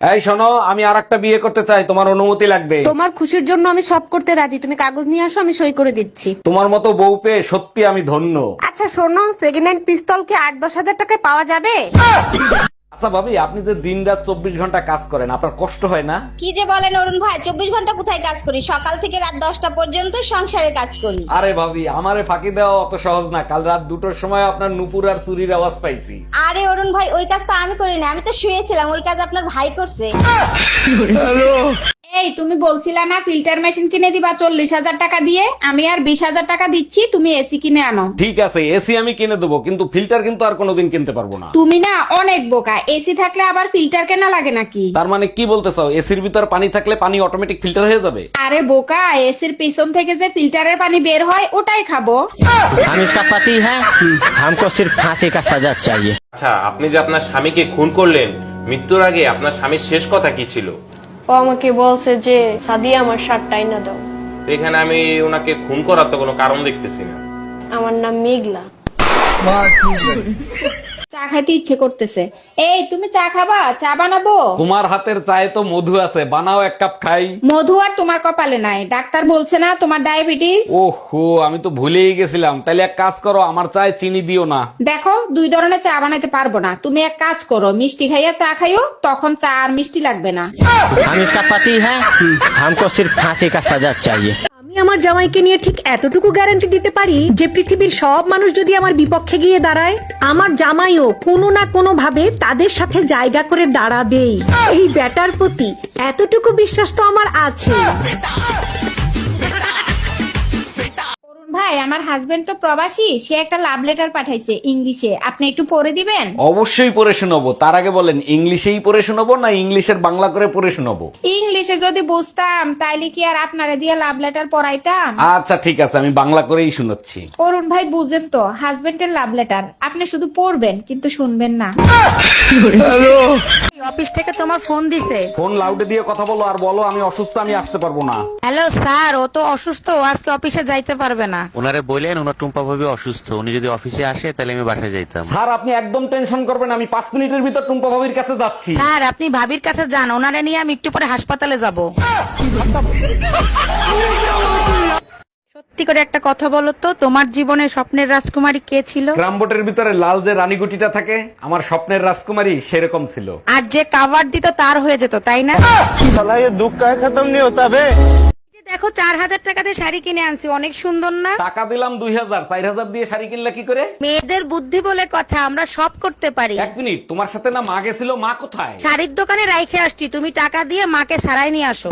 এই শোনো, আমি আরেকটা বিয়ে করতে চাই, তোমার অনুমতি লাগবে। তোমার খুশির জন্য আমি সব করতে রাজি, তুমি কাগজ নিয়ে আসো, আমি সই করে দিচ্ছি। তোমার মতো বউ পেয়ে সত্যি আমি ধন্য। আচ্ছা শোনো, সেকেন্ড হ্যান্ড পিস্তল কি 8-10 হাজার টাকায় পাওয়া যাবে? আচ্ছা ভাবি, আপনি যে দিন রাত 24 ঘন্টা কাজ করেন, আপনার কষ্ট হয় না? কি যে বলেন অরুণ ভাই, 24 ঘন্টা কোথায় কাজ করি? সকাল থেকে রাত 10টা পর্যন্ত সংসারে কাজ করি। আরে ভাবি, আমারে ফাঁকি দেওয়া অত সহজ না। কাল রাত 2টোর সময় আপনার নুপুর আর চুরির আওয়াজ পাইছি। আরে অরুণ ভাই, ওই কাজ তো আমি করি না, আমি তো শুয়েছিলাম, ওই কাজ আপনার ভাই করছে। এই তুমি বলছিলা না ফিল্টার মেশিন কিনে দিবা 40,000 টাকা দিয়ে, আমি আর 20,000 টাকা দিচ্ছি, তুমি এসি কিনে আনো। ঠিক আছে, এসি আমি কিনে দেবো, কিন্তু ফিল্টার কিন্তু আর কোনোদিন কিনতে পারবো না। তুমি না অনেক বোকা, এসি থাকলে আবার ফিল্টার কেনা লাগে নাকি? তার মানে কি বলতে চাও, এসির ভিতর পানি থাকলে পানি অটোমেটিক ফিল্টার হয়ে যাবে? আরে বোকা, এসির পিছন থেকে যে ফিল্টারের পানি বের হয় ওটাই খাবো। हम इसका पति है, हमको सिर्फ फांसी का सजा चाहिए। আচ্ছা, আপনি যে আপনার স্বামীকে খুন করলেন, মৃত্যুর আগে আপনার স্বামীর শেষ কথা কি ছিল? ও আমাকে বলছে যে সাদিয়া আমার শার্টটা আইনা দাও। তো এখানে আমি ওনাকে খুন করার তো কোনো কারণ দেখতেছি না। আমার নাম মেঘলা। চা খাইতে ইচ্ছে করতেছে। এই তুমি চা খাবা? চা বানাবো? তোমার হাতের চায়ে তো মধু আছে, বানাও 1 কাপ খাই। মধু আর তোমার কপালে নাই, ডাক্তার বলছে না তোমার ডায়াবেটিস। ওহো, আমি তো ভুলেই গেছিলাম। তাইলে এক কাজ করো, আমার চায়ে চিনি দিও না। দেখো 2 ধরনের চা বানাইতে পারবো না, তুমি এক কাজ করো, মিষ্টি খাইয়া চা খাইও, তখন চা আর মিষ্টি লাগবে না। हम इसका पति है, हमको सिर्फ फांसी का सजा चाहिए। আমি আমার জামাইকে নিয়ে ঠিক এতটুকু গ্যারান্টি দিতে পারি যে পৃথিবীর সব মানুষ যদি আমার বিপক্ষে গিয়ে দাঁড়ায়, আমার জামাইও কোনো না কোনো ভাবে তাদের সাথে জায়গা করে দাঁড়াবেই। এই ব্যাটার প্রতি এতটুকু বিশ্বাস তো আমার আছে। অরুণ ভাই, আমার হাজবেন্ড তো প্রবাসী, সে একটা লাভ লেটার পাঠাইছে ইংলিশে, আপনি একটু পড়ে দিবেন? অবশ্যই পড়ে শোনাবো। তার আগে বলেন, ইংলিশেই পড়ে শোনাবো না ইংলিশের বাংলা করে পড়ে শোনাবো? ইংলিশে যদি বুঝতাম তাইলে কি আর আপনারে দিয়ে লাভ লেটার পড়াইতাম? আচ্ছা ঠিক আছে, আমি বাংলা করেই শোনাচ্ছি। অরুণ ভাই বুঝেন তো, হাজবেন্ডের লাভ লেটার আপনি শুধু পড়বেন কিন্তু শুনবেন না। অফিস থেকে তোমার ফোন দিছে। ফোন লাউডে দিয়ে কথা বলো আর বলো আমি অসুস্থ, আমি আসতে পারবো না। হ্যালো স্যার, ও তো অসুস্থ, ও আজকে অফিসে যাইতে পারবে না। ওনারে বললেন ওনার টুম্পা ভাবি অসুস্থ, উনি যদি অফিসে আসে তাহলে আমি বাসায় যাইতাম। স্যার, আপনি একদম টেনশন করবেন, আমি 5 মিনিটের ভিতর টুম্পা ভাবির কাছে যাচ্ছি। স্যার, আপনি ভাবির কাছে যান, ওনারে নিয়ে আমি একটু পরে হাসপাতালে যাব। সত্যি করে একটা কথা বলো তো, তোমার জীবনে স্বপ্নের রাজকুমারী কে ছিল? গ্রামবোটের ভিতরে লাল যে রানীগুটিটা থাকে, আমার স্বপ্নের রাজকুমারী সেরকম ছিল। আর যে কাভার দিত তার হয়ে যেত, তাই না? দেখো 4,000 টাকা দিয়ে শাড়ি কিনে আনছি, অনেক সুন্দর না? টাকা দিলাম 2,000, 4,000 দিয়ে শাড়ি কিনলে কি করে? মেয়েদের বুদ্ধি বলে কথা, আমরা সব করতে পারি। 1 মিনিট, তোমার সাথে না মা গেছিল? মা কোথায়? শাড়ির দোকানে রাইখে আসছি, তুমি টাকা দিয়ে মাকে সারাই নিয়ে আসো।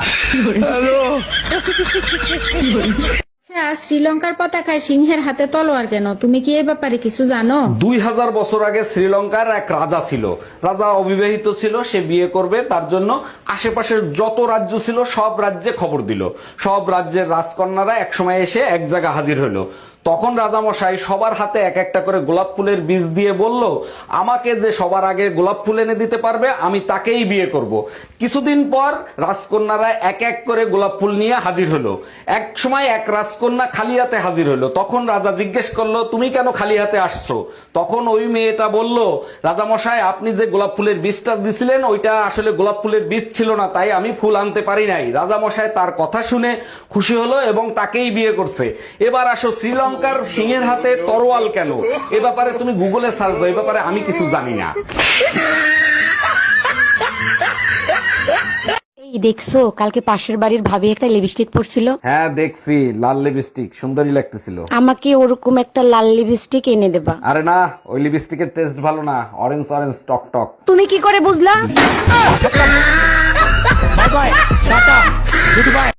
আচ্ছা, শ্রীলঙ্কার পতাকায় সিংহের হাতে তলোয়ার কেন? তুমি কি এই ব্যাপারে কিছু জানো? 2000 বছর আগে শ্রীলঙ্কার এক রাজা ছিল। রাজা অবিবাহিত ছিল, সে বিয়ে করবে, তার জন্য আশেপাশের যত রাজ্য ছিল সব রাজ্যে খবর দিল। সব রাজ্যের রাজকন্যারা একসময় এসে এক জায়গা হাজির হলো। তখন রাজামশাই সবার হাতে এক একটা করে গোলাপ ফুলের বীজ দিয়ে বলল, আমাকে যে সবার আগে গোলাপ ফুল এনে দিতে পারবে আমি তাকেই বিয়ে করব। কিছুদিন পর রাজকন্যারা এক এক করে গোলাপ ফুল নিয়ে হাজির হলো। এক সময় এক রাজকন্যা খালি হাতে হাজির হলো। তখন রাজা জিজ্ঞেস করলো, তুমি কেন খালি হাতে আসছো? তখন ওই মেয়েটা বলল, রাজামশাই, আপনি যে গোলাপ ফুলের বীজটা দিছিলেন ওইটা আসলে গোলাপ ফুলের বীজ ছিল না, তাই আমি ফুল আনতে পারি নাই। রাজামশাই তার কথা শুনে খুশি হলো এবং তাকেই বিয়ে করছে। এবার আসো, শ্রীলঙ্কার সিংহের হাতে তরোয়াল কেন? এ ব্যাপারে তুমি গুগলে সার্চ দাও, এ ব্যাপারে আমি কিছু জানি না। এই দেখছো, কালকে পাশের বাড়ির ভাবি একটা লিপস্টিক পরছিল। হ্যাঁ দেখছি, লাল লিপস্টিক, সুন্দরী লাগতেছিল। আমাকে ওরকম একটা লাল লিপস্টিক এনে দেবা। আরে না, ওই লিপস্টিকের টেস্ট ভালো না, অরেঞ্জ অরেঞ্জ টক টক। তুমি কি করে বুঝলা?